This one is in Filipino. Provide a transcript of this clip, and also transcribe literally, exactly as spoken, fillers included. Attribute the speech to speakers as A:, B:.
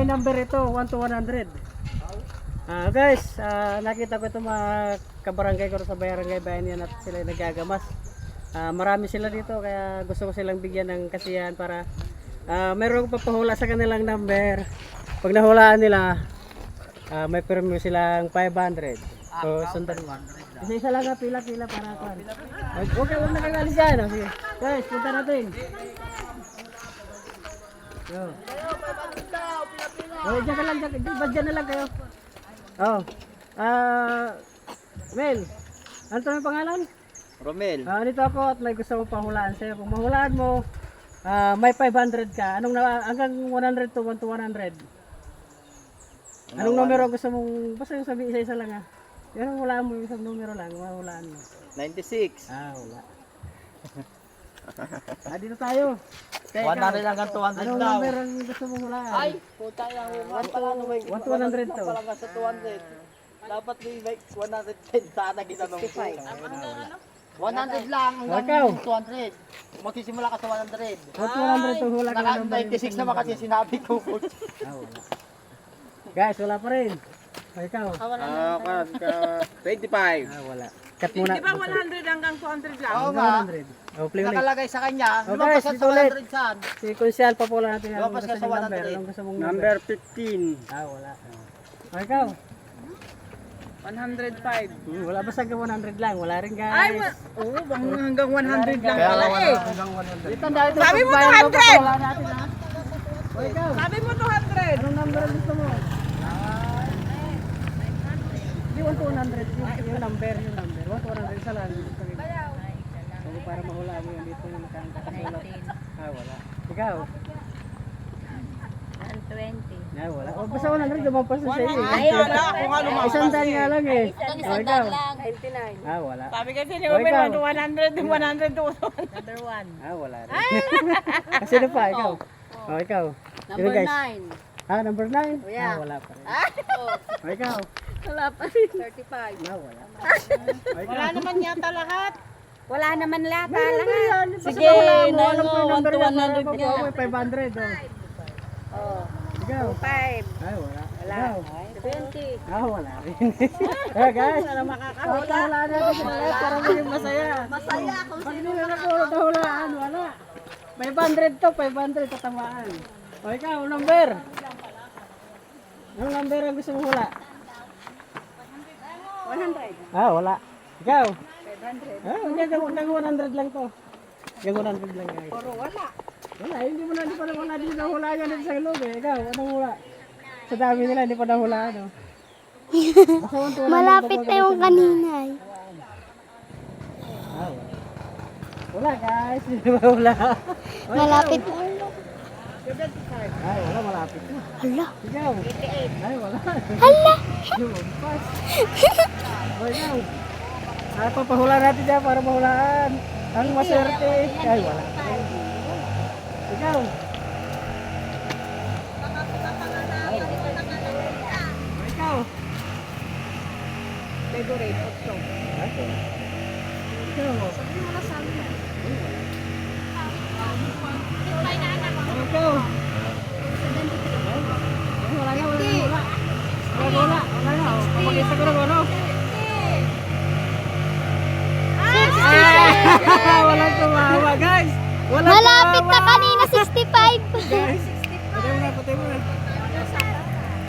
A: may number ito, one to one hundred. Ah, guys, ah, nakita ko itong mga kabarangay ko sa barangay bayan yan at sila nagagamas. Ah, marami sila dito kaya gusto ko silang bigyan ng kasiyahan para ah, mayroong papahula sa kanilang number. Pag nahulaan nila, ah, may premium silang five hundred. So, sundan mo. Isa-isa lang nga pila-pila para kan. Huwag ka lang nakagalis dyan. Oh. Sige. Guys, punta natin. Yo. Oh, dyan ka lang, dyan, dyan, dyan na lang kayo. Oh. Ah, Mel, ano ito yung pangalan?
B: Romel.
A: Ah, dito ako at may gusto mong pahulaan sa'yo. Kung mahulaan mo, ah, may five hundred ka. Anong na, hanggang one hundred to one to one hundred. Anong numero gusto mong, basta yung sabi isa-isa lang ah. Yan ang hulaan mo, isang numero lang, mahulaan mo.
B: ninety-six.
A: Ah, wala. Ah, dito tayo. Kaya
B: one hundred hanggang two hundred
A: anong
B: daw.
A: number ang gusto mong hulaan?
B: Ay, puta yung one pala no may
A: one to one hundred to.
B: Pala nga sa two hundred. Dapat may like one hundred ten sana ginanong ko. one hundred lang
A: Ikaw.
B: hanggang two hundred. Magsisimula ka sa one hundred.
A: one to one hundred to hula ka
B: Naka
A: ng number.
B: ninety-six naman kasi sinabi ko.
A: Ah, wala. Guys, wala pa rin. O, ikaw.
B: Ah, ka twenty-five.
A: Ah, wala. Cut muna.
C: Di ba one hundred hanggang two hundred lang?
B: Oo
A: Hanggang
B: nga.
A: one hundred. Oh, play ulit.
B: Nakalagay sa kanya,
A: Oh,
B: lumabas
A: guys,
B: ka
A: dito
B: sa one
A: ulit.
B: hundred saan?
A: Si Kunsyal pa pula natin. Anong
B: Lumabas
A: gusto
B: ka sa
A: mong
B: one
A: number?
B: hundred.
A: Anong gusto mong number?
B: fifteen.
A: Ah, wala. O, ikaw.
C: one hundred five.
A: Hmm, wala basta hanggang one hundred lang. Wala rin guys.
C: Ay, wa- oo, bang hanggang one hundred lang
A: Kaya
C: pala
A: wala
C: eh.
A: hanggang one hundred. Dito dahil
C: Sabi mo
A: bayan
C: two hundred.
A: Wala natin ha. O, ikaw.
C: Sabi mo two hundred.
A: Anong number ang gusto mo? Hindi, one to one hundred. Yung, yung number, yung number. one to one hundred. Isa lang. So, para mahula mo yun dito yung nakakasulat. Ah, wala. Ikaw?
D: one twenty.
A: Ah, wala. O, basta one hundred. Lumampas na sa'yo. eh.
C: Ay, wala. Kung ano
A: Ah,
C: mga.
A: Isang daan nga lang eh. O, ikaw?
D: ninety-nine.
A: Ah, wala.
C: Sabi kasi ni
A: O,
C: Omen,
A: ikaw?
C: one hundred, one hundred to one hundred.
D: Number one.
A: Ah, wala rin. Kasi sino pa? Ikaw? O, ikaw? Sino
D: Number
A: guys?
D: nine.
A: Ah, number nine?
D: Oh, yeah.
A: Ah, wala pa rin. O, ikaw?
D: Wala pa rin. thirty-five.
A: Ah, wala. O, ikaw?
C: Wala naman yata lahat.
D: Wala naman lahat.
A: Meron na yan. Basta
D: Sige,
A: wala mo.
D: nine
A: Alam ko yung
D: mo,
A: number
D: one to
A: niya.
D: one hundred
A: Para
D: niya.
A: makuha mo yung five hundred. O.
D: Oh.
A: Ikaw?
D: five.
A: Ay, wala.
D: Wala.
A: Ikaw?
D: twenty.
A: Ah, wala rin. Ah, guys, wala makakahula. Wala natin sila lahat para maging masaya.
D: Masaya kung
A: Pag hindi na nakulot na hulaan, wala. five hundred to, five hundred tatamaan. O ikaw, number. Anong number ang gusto mo hula?
D: one hundred.
A: Ah, wala. Ikaw?
D: five hundred.
A: Ah, hindi, hanggang one hundred lang to. Hanggang one hundred lang guys.
D: Puro wala.
A: Wala, hindi mo na, hindi pa naman natin na hula yan dito sa ilog eh. Ikaw, anong hula? Sa dami nila, hindi pa na hula, ano?
E: Malapit na yung kanina eh.
A: Ah, wala. Wala guys, hindi ba wala? O,
E: Malapit.
A: Ay, wala, malapit na.
E: Hala.
A: Ikaw? Ay, wala.
E: Hala.
A: Lumampas. O, ikaw? Ah, papahula natin dyan para mahulaan. Ang maswerte. Ay, wala. Ikaw? Ay, wala. O, ikaw?
D: Favorite.